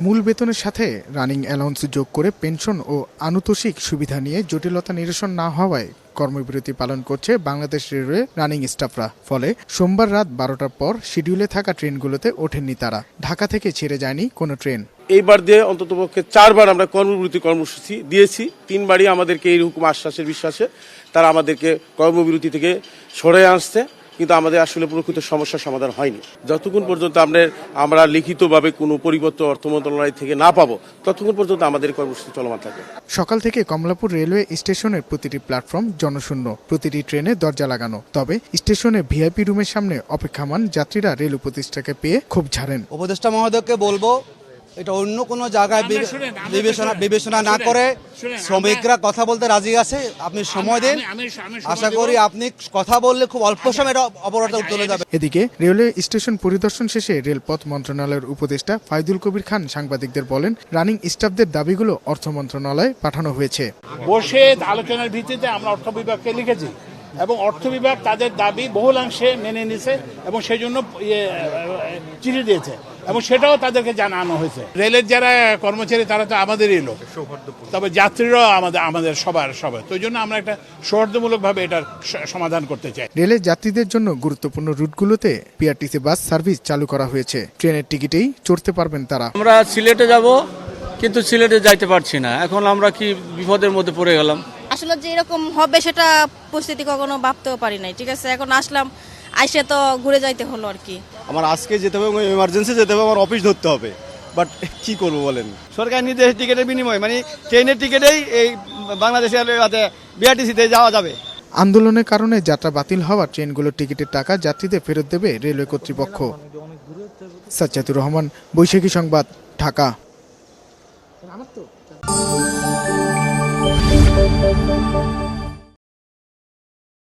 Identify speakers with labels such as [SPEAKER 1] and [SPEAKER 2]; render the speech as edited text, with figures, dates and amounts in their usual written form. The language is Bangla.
[SPEAKER 1] মূল বেতনের সাথে রানিং অ্যালাউন্স যোগ করে পেনশন ও আনুতোষিক সুবিধা নিয়ে জটিলতা নিরসন না হওয়ায় কর্মবিরতি পালন করছে বাংলাদেশ রেলওয়ে রানিং স্টাফরা। ফলে সোমবার রাত 12টার পর শিডিউলে থাকা ট্রেনগুলোতে ওঠেননি তারা। ঢাকা থেকে ছেড়ে যায়নি কোনো ট্রেন।
[SPEAKER 2] এইবার দিয়ে অন্ততপক্ষে 4বার আমরা কর্মবিরতি কর্মসূচি দিয়েছি। 3বারই আমাদেরকে এইরকম আশ্বাসের বিশ্বাসে তারা আমাদেরকে কর্মবিরতি থেকে সরে আসছে, কিন্তু আমাদের আসলে প্রকৃত সমস্যার সমাধান হয়নি। যতক্ষণ পর্যন্ত আমরা লিখিতভাবে কোনো পরিবর্তন অর্থ মন্ত্রণালয় থেকে না পাবো, ততক্ষণ পর্যন্ত আমাদের কর্মসূচি চলমান থাকবে।
[SPEAKER 1] সকাল থেকে কমলাপুর রেলওয়ে স্টেশনের প্রতিটি প্ল্যাটফর্ম জনশূন্য, প্রতিটি ট্রেনে দরজা লাগানো। তবে স্টেশনে ভিআইপি রুমের সামনে অপেক্ষামান যাত্রীরা রেল উপদেষ্টাকে পেয়ে ক্ষোভ ঝাড়েন।
[SPEAKER 3] উপদেষ্টা মহোদয়কে বলবো, এটা অন্য কোনো জায়গায় বিবেচনা না করে শ্রমিকরা কথা বলতে রাজি আছে, আপনি সময় দিন। আশা করি আপনি কথা বললে খুব অল্প সময় অবরোধ চলে যাবে।
[SPEAKER 1] এদিকে রেলওয়ে স্টেশন পরিদর্শন শেষে রেলপথ মন্ত্রণালয়ের উপদেষ্টা ফাইদুল কবির খান সাংবাদিকদের বলেন, রানিং স্টাফদের দাবিগুলো অর্থ মন্ত্রণালয়ে পাঠানো হয়েছে।
[SPEAKER 4] বসে আলোচনার ভিত্তিতে আমরা অর্থ বিভাগকে লিখেছি এবং অর্থ বিভাগ তাদের দাবি বহুলাংশে মেনে নিয়েছে এবং সেই জন্য চিঠি দিয়েছে এবং সেটাও তাদেরকে জানানো হয়েছে। রেলের যারা কর্মচারী তারা তো আমাদেরই লোক, তবে যাত্রীরাও আমাদের সবার। তো এই জন্য আমরা একটা সৌহার্দ্যমূলকভাবে এটার সমাধান করতে চাই।
[SPEAKER 1] রেলের যাত্রীদের জন্য গুরুত্বপূর্ণ রুটগুলোতে পিআরটিসি বাস সার্ভিস চালু করা হয়েছে। ট্রেনের টিকিটেই চড়তে পারবেন তারা।
[SPEAKER 5] আমরা সিলেটে যাব, কিন্তু সিলেটে যাইতে পারছি না। এখন আমরা কি বিপদের মধ্যে পড়ে গেলাম।
[SPEAKER 6] আসলে যে এরকম হবে সেটা পরিস্থিতি কখনো ভাবতেও পারি নাই। ঠিক আছে, এখন আসলাম, আইসে তো ঘুরে যাইতে হলো আর কি।
[SPEAKER 7] আমার আজকে যেতে হবে, এমার্জেন্সি যেতে হবে, আমার অফিস ধরতে হবে, বাট কি করবো বলেন। সরকার নির্দেশ টিকিটের বিনিময় মানে ট্রেনের টিকিটেই এই বাংলাদেশের বিআরটিসিতে যাওয়া যাবে।
[SPEAKER 1] আন্দোলনের কারণে যাত্রা বাতিল হওয়া ট্রেনগুলোর টিকিটের টাকা যাত্রীদের ফেরত দেবে রেলওয়ে কর্তৃপক্ষ। সাজ্জাদুর রহমান, বৈশাখী সংবাদ, ঢাকা।